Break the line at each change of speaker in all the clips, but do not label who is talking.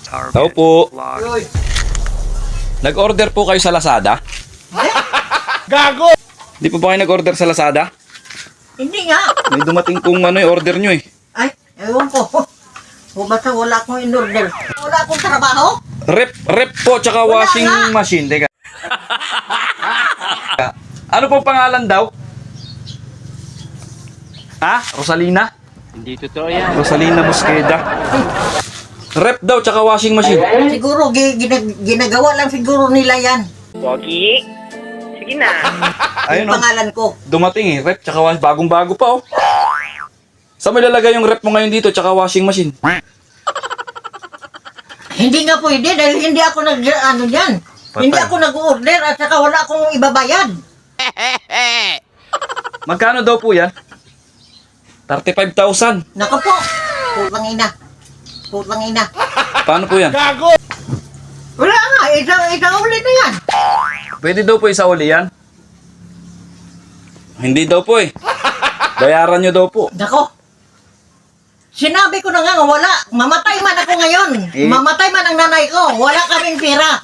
Tao po.
Uy,
Nag-order po kayo sa Lazada?
gago!
Di po ba kayo nag-order sa Lazada?
Hindi nga.
May dumating kung ano yung order nyo eh.
Ay, ewan ko. O basta wala akong in-order. Wala akong trabaho.
Rep po, tsaka
Wala
washing
nga.
machine. Teka. Ano po pangalan daw? Ha? Rosalina?
Hindi totoo yan.
Rosalina Mosqueda. Rep daw, tsaka washing machine.
Siguro, ginagawa lang siguro nila yan.
Pogi. Sige na.
Ayun
Yung
o.
pangalan ko.
Dumating eh, rep, tsaka bagong-bago pa oh. Saan mo ilalagay yung rep mo ngayon dito, tsaka washing machine?
Hindi nga pwede dahil hindi ako ano yan.
Patay.
Hindi ako nag-order at saka wala akong ibabayad.
Magkano daw po yan? 35,000.
Nako po. Putang ina. Putang ina.
Paano po yan?
Gago!
Wala nga. Isang ulit na yan.
Pwede daw po isa uli yan? Hindi daw po eh. Bayaran nyo daw po.
Nako. Sinabi ko na nga, wala. Mamatay man ako ngayon.
Eh.
Mamatay man ang nanay ko. Wala kaming pera.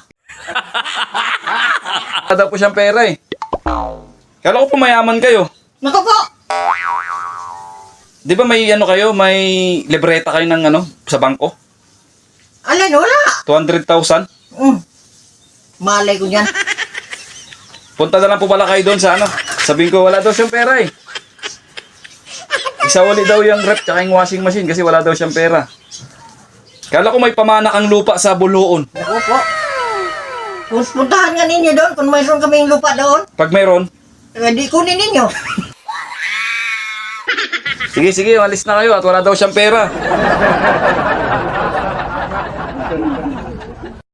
Wala daw po siyang pera eh. Kala ko po mayaman kayo.
Nako po.
Di ba may ano kayo, may libreta kayo ng ano, sa bangko?
Alin, wala.
200,000?
Malay ko yan.
Punta na lang po pala kayo doon sa ano. Sabihin ko wala daw siyang pera eh. Isa uli daw yung rep tsaka yung washing machine kasi wala daw siyang pera. Kala ko may pamana kang lupa sa Buluon.
Nako po. Puntahan nga ninyo doon kung mayroon kaming lupa doon.
Pag mayroon,
Di kunin ninyo.
sige, alis na kayo at wala daw siyang pera.